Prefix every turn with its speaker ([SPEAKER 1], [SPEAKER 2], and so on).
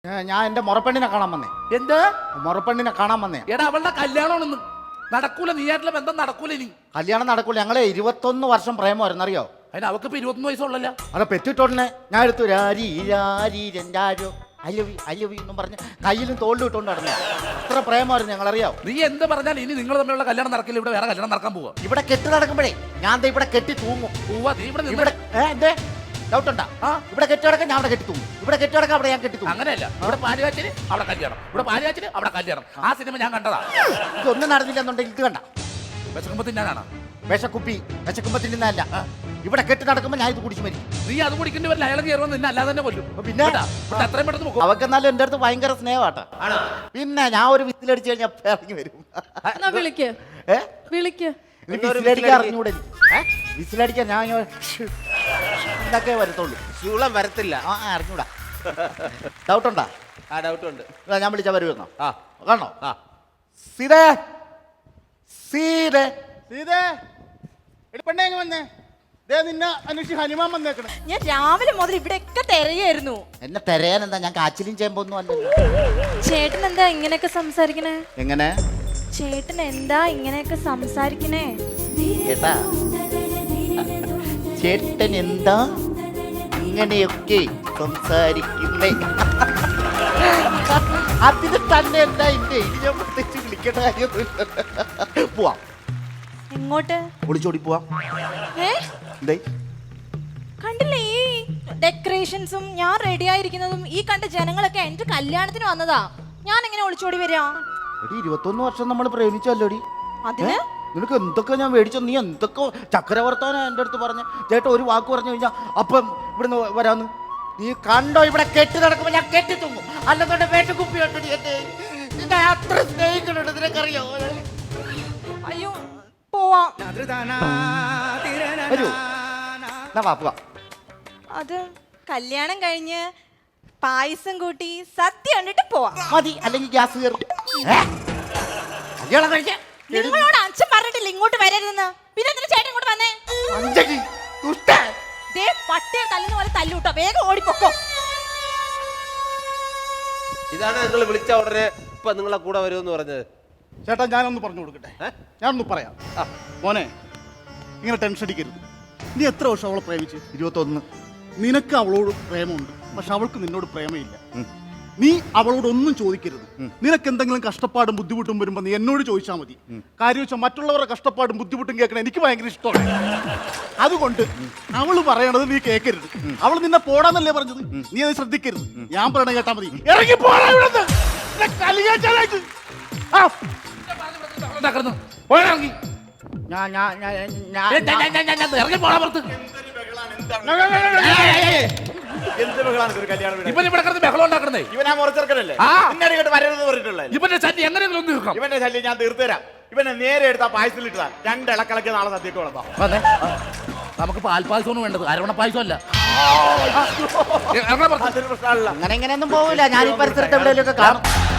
[SPEAKER 1] ഞാൻ എന്റെ മുറപ്പെണ്ണിനെ കാണാൻ വന്നേ.
[SPEAKER 2] എന്ത്
[SPEAKER 1] മുറപ്പെണ്ണിനെ കാണാൻ വന്നേ.
[SPEAKER 2] എടാ അവളുടെ കല്യാണമാണെന്ന്. നടക്കൂല, നീയായിട്ടുള്ള ബന്ധം നടക്കൂല. ഇനി
[SPEAKER 1] കല്യാണം നടക്കൂല. ഞങ്ങളെ 21 വർഷം പ്രേമമായിരുന്നു, അറിയോ?
[SPEAKER 2] അതിന് അവക്ക് ഇപ്പൊ 21 വയസ്സുള്ളല്ലോ.
[SPEAKER 1] അതെ, പെറ്റിട്ടോടനെ ഞാൻ എടുത്തു രാരി രാരി രണ്ടാരോ അല്ലവി അല്ലവി എന്നും പറഞ്ഞ് കയ്യിലും തോളിലും ഇട്ടുകൊണ്ട് നടന്നു. ഇത്ര പ്രേമമായിരുന്നു ഞങ്ങൾ, അറിയാവോ?
[SPEAKER 2] നീ എന്ത് പറഞ്ഞാൽ ഇനി നിങ്ങൾ തമ്മിലുള്ള കല്യാണം നടക്കില്ല. ഇവിടെ വേറെ കല്യാണം നടക്കാൻ പോവാ.
[SPEAKER 1] ഇവിടെ കെട്ടി നടക്കുമ്പോഴേ ഞാൻ ദേ ഇവിടെ കെട്ടി തൂങ്ങും.
[SPEAKER 2] പോവാ നീ ഇവിടെ
[SPEAKER 1] ഇവിടെ എന്തേ ഡൗട്ട് ഉണ്ടാ? ഇവിടെ കെട്ടി നടക്കാൻ ഞാൻ അവിടെ കെട്ടി തൂങ്ങും. ഇവിടെ കെട്ടി നടക്കാൻ അവിടെ ഞാൻ കെട്ടി തൂങ്ങും.
[SPEAKER 2] അങ്ങനെയല്ല, ഇവിടെ പാലുകാച്ചിന് അവിടെ കല്യാണം, ഇവിടെ പാലുകാച്ചിന് അവിടെ കല്യാണം. ആ സിനിമ ഞാൻ കണ്ടതാ.
[SPEAKER 1] ഇതൊന്നും നടന്നില്ലെന്നുണ്ടെങ്കിൽ ഇത് കണ്ട
[SPEAKER 2] വിശക്കുമ്പോ തിന്നാനാണ്.
[SPEAKER 1] വിശക്കുപ്പി വിശക്കുമ്പോ തിന്നുന്നതല്ല. ഇവിടെ കെട്ടി നടക്കുമ്പോൾ ഞാൻ ഇത് കുടിച്ചു മരിക്കും.
[SPEAKER 2] നീ അത് കുടിക്കേണ്ടി വരില്ല. അയാളെ കയറുമ്പോൾ നിന്നെ അല്ലാതെ തന്നെ കൊല്ലും.
[SPEAKER 1] പിന്നെ
[SPEAKER 2] അത്രയും പെട്ടെന്ന് പോകും.
[SPEAKER 1] അവക്കെന്നാലും എൻ്റെ അടുത്ത് ഭയങ്കര സ്നേഹമാട്ടാ. പിന്നെ ഞാൻ ഒരു വിസിലടിച്ചു കഴിഞ്ഞാൽ ഇറങ്ങി വരും. വിസിലടിക്കാൻ അറിഞ്ഞൂടെ? വിസിലടിക്കാൻ ഞാൻ ഇതൊക്കെ വരത്തുള്ളൂ.
[SPEAKER 3] ചൂളം വരത്തില്ല.
[SPEAKER 1] അറിഞ്ഞൂടാ. ഡൗട്ടുണ്ടാ?
[SPEAKER 3] ആ ഡൗട്ട് ഉണ്ട്.
[SPEAKER 1] ഞാൻ വിളിച്ചാൽ വരുമെന്നോ?
[SPEAKER 3] ആ
[SPEAKER 1] കാണോ?
[SPEAKER 3] ആ
[SPEAKER 1] സീതേ സീതേ
[SPEAKER 4] സീതേ എടി പെണ്ണേ ഇങ്ങ് വന്നേ. ദേ നിന്നെ അന്വേഷിച്ച് ഹനുമാൻ വന്നേക്കണേ.
[SPEAKER 5] ഞാൻ രാവിലെ മുതൽ ഇവിടെയൊക്കെ തിരയായിരുന്നു.
[SPEAKER 1] എന്നെ തെരയാൻ എന്താ? ഞാൻ കാച്ചിലും ചെയ്യുമ്പൊന്നും അല്ലല്ലോ.
[SPEAKER 5] ചേട്ടൻ എന്താ ഇങ്ങനെയൊക്കെ സംസാരിക്കണേ?
[SPEAKER 1] എങ്ങനെ
[SPEAKER 5] ചേട്ടൻ എന്താ ഇങ്ങനെയൊക്കെ സംസാരിക്കണേ?
[SPEAKER 1] കേട്ടാ? ചേട്ടൻ എന്താ ഇങ്ങനെയൊക്കെ സംസാരിക്കുന്നേ? അതിന് തന്നെ എന്താ ഇന്റെ ഞാൻ പ്രത്യേകിച്ച് വിളിക്കേണ്ട കാര്യമൊന്നുമില്ല. പോവാം.
[SPEAKER 5] എങ്ങോട്ട്?
[SPEAKER 1] ഒളിച്ചോടി പോവാം. എന്തേ
[SPEAKER 5] കണ്ടില്ലേ ഈ ഡെക്കറേഷൻസും ഞാൻ റെഡി ആയിരിക്കുന്നതും ഈ കണ്ട ജനങ്ങളൊക്കെ എന്റെ കല്യാണത്തിന് വന്നതാ. ഞാൻ എങ്ങനെ ഒളിച്ചോടി വരാ?
[SPEAKER 1] എടി 21 വർഷം നമ്മൾ പ്രേമിച്ചല്ലോടി.
[SPEAKER 5] അതിന്
[SPEAKER 1] നിനക്ക് എന്തൊക്കെ ഞാൻ മേടിച്ചോ? നീ എന്തൊക്കെ ചക്രവർത്താനാ എൻ്റെ അടുത്ത് പറഞ്ഞ? ചേട്ടാ ഒരു വാക്ക് പറഞ്ഞു കഴിഞ്ഞാൽ അപ്പം ഇവിടുന്ന് വരാന്ന്. നീ കണ്ടോ ഇവിടെ കെട്ടി നടക്കുമ്പോ ഞാൻ കെട്ടി തൂങ്ങും. അല്ലെന്നോണ്ട് വേട്ടുകുപ്പി കണ്ടടി എന്നെ. നിന്നെ അത്ര സ്നേഹിക്കുന്നുണ്ട്, നിനക്കറിയോ?
[SPEAKER 5] അയ്യോ പോവാം.
[SPEAKER 1] വരൂ, എന്നാ വാ പോവാം.
[SPEAKER 5] അത് കല്യാണം കഴിഞ്ഞ് പായസം കൂട്ടി സദ്യ കണ്ടിട്ട് പോവാം.
[SPEAKER 1] മതി, അല്ലെങ്കിൽ ഗ്യാസ് കയറും. കല്യാണം കഴിക്കാൻ
[SPEAKER 5] നിങ്ങളോട് അച്ഛൻ പറഞ്ഞിട്ടില്ല ഇങ്ങോട്ട് വരരുതെന്ന്. പിന്നെ എന്തിനാ ചേട്ടൻ ഇങ്ങോട്ട് വന്നേ?
[SPEAKER 1] അഞ്ചടി ദുഷ്ട.
[SPEAKER 5] ദേ പട്ടിയെ തല്ലുന്ന പോലെ തല്ലൂട്ടോ. വേഗം ഓടിപ്പോക്കോ.
[SPEAKER 3] ഇതാണ് നിങ്ങൾ വിളിച്ച ഉടനെ ഇപ്പൊ നിങ്ങളെ കൂടെ വരുമെന്ന് പറഞ്ഞത്.
[SPEAKER 4] ചേട്ടാ ഞാനൊന്ന് പറഞ്ഞു കൊടുക്കട്ടെ. ഞാനൊന്ന് പറയാം. മോനെ ഇങ്ങനെ ടെൻഷൻ അടിക്കരുത്. നീ എത്ര വർഷം അവളെ പ്രേമിച്ച്?
[SPEAKER 1] 21.
[SPEAKER 4] നിനക്ക് അവളോട് പ്രേമമുണ്ട്, പക്ഷെ അവൾക്ക് നിന്നോട് പ്രേമയില്ല. നീ അവളോട് ഒന്നും ചോദിക്കരുത്. നിനക്ക് എന്തെങ്കിലും കഷ്ടപ്പാടും ബുദ്ധിമുട്ടും വരുമ്പോ നീ എന്നോട് ചോദിച്ചാൽ മതി. കാര്യം വെച്ചാൽ മറ്റുള്ളവരുടെ കഷ്ടപ്പാടും ബുദ്ധിമുട്ടും കേൾക്കണം എനിക്ക് ഭയങ്കര ഇഷ്ടമാണ്. അതുകൊണ്ട് അവള് പറയണത് നീ കേൾക്കരുത്. അവൾ നിന്നെ പോടാന്നല്ലേ പറഞ്ഞത്? നീ അത് ശ്രദ്ധിക്കരുത്. ഞാൻ പറയണ കേട്ടാ മതി. ഇറങ്ങി പോടാ ഇവിടുന്ന്. നിന്നെ കലിയാച്ചാലായിട്ട്. ആ
[SPEAKER 2] ഇറങ്ങി പോണ പുറത്ത്. ഇവൻ ഇവിടെ കിടന്ന് ബഹളം ഉണ്ടാക്കണേ.
[SPEAKER 4] ഇവനാ മുറച്ചെറുക്കനല്ലേ? വരരുത് പറഞ്ഞിട്ടുള്ള
[SPEAKER 2] ഇവന്റെ ശല്യം എങ്ങനെയെങ്കിലും ഒന്ന് തീർക്കാം.
[SPEAKER 4] ഇവന്റെ ശല്യം ഞാൻ തീർത്തുതരാം. ഇവനെ നേരെ എടുത്താ പായസത്തിലിട്ടാ 2 ഇളക്കിളക്കി നാളെ സദ്യക്ക് വളർത്താം.
[SPEAKER 2] നമുക്ക് പാൽപ്പായസമാണ് വേണ്ടത്, അരവണ പായസം അല്ല.
[SPEAKER 1] അങ്ങനെ ഇങ്ങനെയൊന്നും പോവില്ല. ഞാൻ ഈ പരിസരത്ത് എവിടെയെങ്കിലും ഒക്കെ കാണും.